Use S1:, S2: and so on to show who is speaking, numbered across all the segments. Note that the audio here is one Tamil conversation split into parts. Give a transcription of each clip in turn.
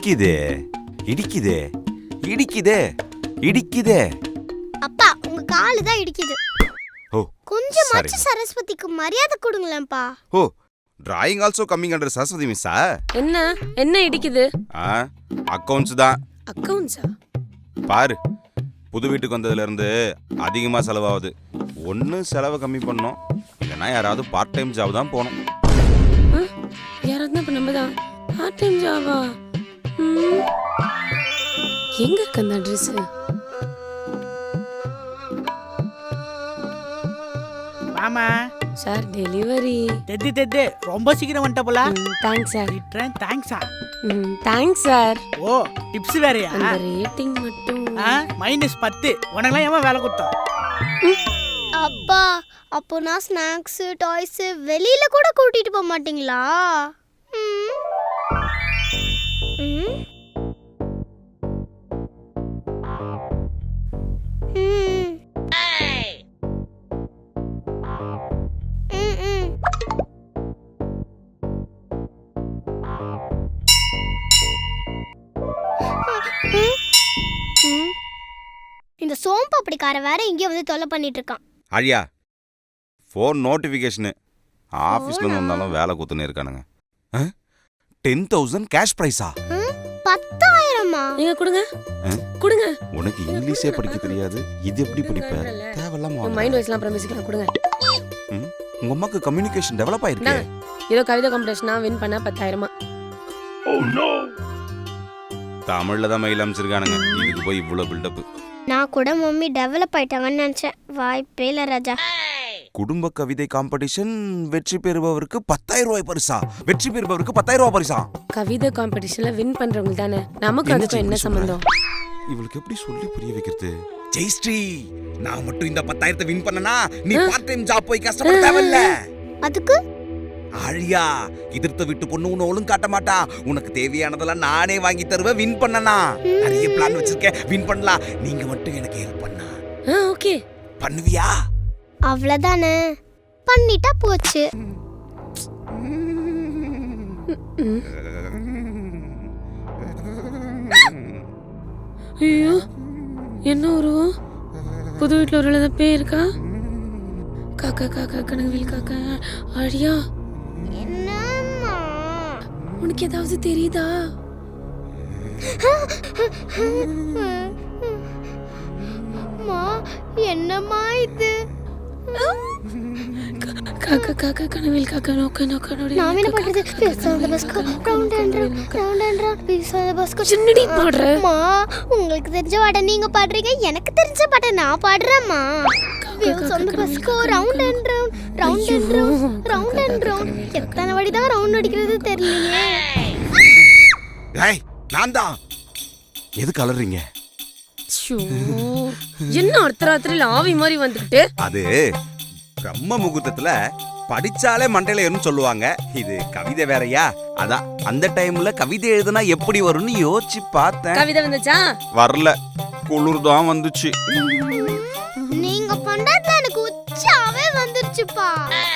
S1: இடிக்குதே இடிக்குதே இடிக்குதே இடிக்குதே.
S2: அப்பா உங்க காலு தான் இடிக்குது.
S1: ஓ
S2: கொஞ்சமாச்சு சரஸ்வதிக்கு மரியாதை கொடுங்களேன்ப்பா.
S1: Oh drawing also coming under Saraswati மிஸ்ஸா?
S3: என்ன இடிக்குது?
S1: அக்கவுண்ட்ஸ் தான்.
S3: அக்கவுண்ட்ஸா?
S1: பாரு, புது வீட்டுக்கு வந்ததுல இருந்து அதிகமா செலவாகுது. ஒன்னு செலவை கம்மி பண்ணோம், இல்லைன்னா யாராவது பார்ட் டைம் ஜாப் தான் போகணும்.
S3: யாராவது இப்ப நம்ம தான் பார்ட் டைம் ஜாபா? எங்க இருக்கு அந்த அட்ரஸ்?
S4: மாமா
S3: சார் டெலிவரி.
S4: தெத்து ரொம்ப சீக்கிரம் வந்துட்ட போல.
S3: Thanks sir.
S4: தேங்க்ஸா?
S3: Thanks sir.
S4: ஓ டிப்ஸ் வேறயா?
S3: அந்த ரேட்டிங் மட்டும்
S4: -10. உனக்கெல்லாம் ஏமா வேலை கொடுத்தோம்?
S2: அப்பா அப்போ நான் ஸ்நாக்ஸ் டாய்ஸ் வெளியில கூட கூட்டிட்டு போக மாட்டீங்களா? இந்த சோம்பு அப்படிக்கார வேற இங்கே வந்து தொல்லை பண்ணிட்டு இருக்கான்.
S1: அழியா ஃபோன் நோட்டிஃபிகேஷனு ஆஃபீஸ்ல இருந்து வந்தாலும் வேலை கூத்துன்னு இருக்கானுங்க. 10,000 கேஷ் பிரைஸா?
S2: 10,000மா?
S3: நீங்க கொடுங்க கொடுங்க.
S1: உனக்கு இங்கிலீஷே படிக்க தெரியாது, இது எப்படி படிப்ப? தேவையில்லாம
S3: மைண்ட் வாய்ஸ்லாம் அப்புறம் பேசிக்கலாம். கொடுங்க.
S1: உங்க அம்மாக்கு கம்யூனிகேஷன் டெவலப் ஆயிருக்கு.
S3: ஏதோ கவிதை காம்படிஷனா வின் பண்ண 10,000.
S1: தமிழ்ல தான் மெயில் அனுப்பிச்சிருக்கானுங்க, இதுக்கு போய் இவ்வளவு பில்டப்.
S2: நான் கூட மம்மி டெவலப் ஆயிட்டாங்கன்னு நினைச்சேன். வாய்ப்பே இல்ல ராஜா.
S1: குடும்ப கவிதை காம்படிஷன் வெற்றி பெறுபவருக்கு 10,000 ரூபாய் பரிசா. வெற்றி பெறுபவருக்கு 10,000 ரூபாய் பரிசா.
S3: கவிதை காம்படிஷன்ல வின் பண்றவங்க தானே. நமக்கு அதுக்கு என்ன சம்பந்தம்?
S1: இவளுக்கு எப்படி சொல்லி புரிய வைக்கிறது? ஜெயஸ்ரீ, நான் மட்டும் இந்த 10,000 வின் பண்ணனா நீ பார்ட் டைம் ஜாப் போய் கஷ்டப்பட தேவையில்ல.
S2: அதுக்கு
S1: ஆழியா, எதிர்த்த விட்டு பொண்ணு உன்னை ஒழுங்கு காட்ட மாட்டா. உனக்கு தேவையானதெல்லாம் நானே வாங்கி தருவேன். வின் பண்ணனா நிறைய பிளான் வச்சிருக்கேன், வின் பண்ணலாம். நீங்க மட்டும் எனக்கு ஹெல்ப் பண்ணா
S3: ஓகே
S1: பண்ணுவியா?
S2: அவ்வளவுதானே, பண்ணிட்டா போச்சு.
S3: ஐயோ என்ன உருவம்? புது வீட்டுல ஒரு எழுத பேர் இருக்கா? காக்கா காக்கா கனவில் காக்கா. அழியா
S2: என்னம்மா
S3: உனக்கு ஏதாவது தெரியுதா?
S2: அம்மா என்னம்மா இது?
S3: காக்கா காக்கா கனவில் காக்கா நோக்க நோக்க நோடி.
S2: நான் என்ன பண்றது? பேசாத பஸ்கோ ரவுண்ட் அண்ட் ரவுண்ட் பேசாத பஸ்கோ.
S3: சின்னடி பாடுற.
S2: அம்மா உங்களுக்கு தெரிஞ்ச பாட்ட நீங்க பாடுறீங்க, எனக்கு தெரிஞ்ச பாட்ட நான் பாடுறேம்மா. சொந்த பஸ்கோ ரவுண்ட் அண்ட் ரவுண்ட். எத்தனை வாட்டி தான் ரவுண்ட் அடிக்கிறது தெரியலையே.
S1: ஏய் நான் தான். எது கலர்றீங்க?
S3: என்ன அர்த்தராத்திரில ஆவி மாதிரி வந்துட்டு?
S1: அது பிரம்ம முகூர்த்தத்துல படிச்சாலே மண்டையில ஏறும்னு சொல்லுவாங்க. இது கவிதை வேறயா, அதான் அந்த டைம்ல கவிதை எழுதுனா எப்படி வரும்னு யோசிச்சு பார்த்தேன்.
S3: கவிதை வந்துச்சா?
S1: வரல, குளிர் தான் வந்துச்சு.
S2: நீங்க பண்றதுல எனக்கு உச்சாவே வந்துருச்சுப்பா.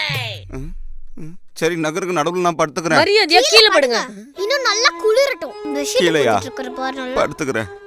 S1: சரி, நகருக்கு நடுவுல நான் படுத்துக்கிறேன்.
S3: மரியாதையா கீழே படுங்க.
S2: இன்னும் நல்லா குளிரட்டும்.
S1: கீழையா?
S2: படுத்துக்கிறேன்.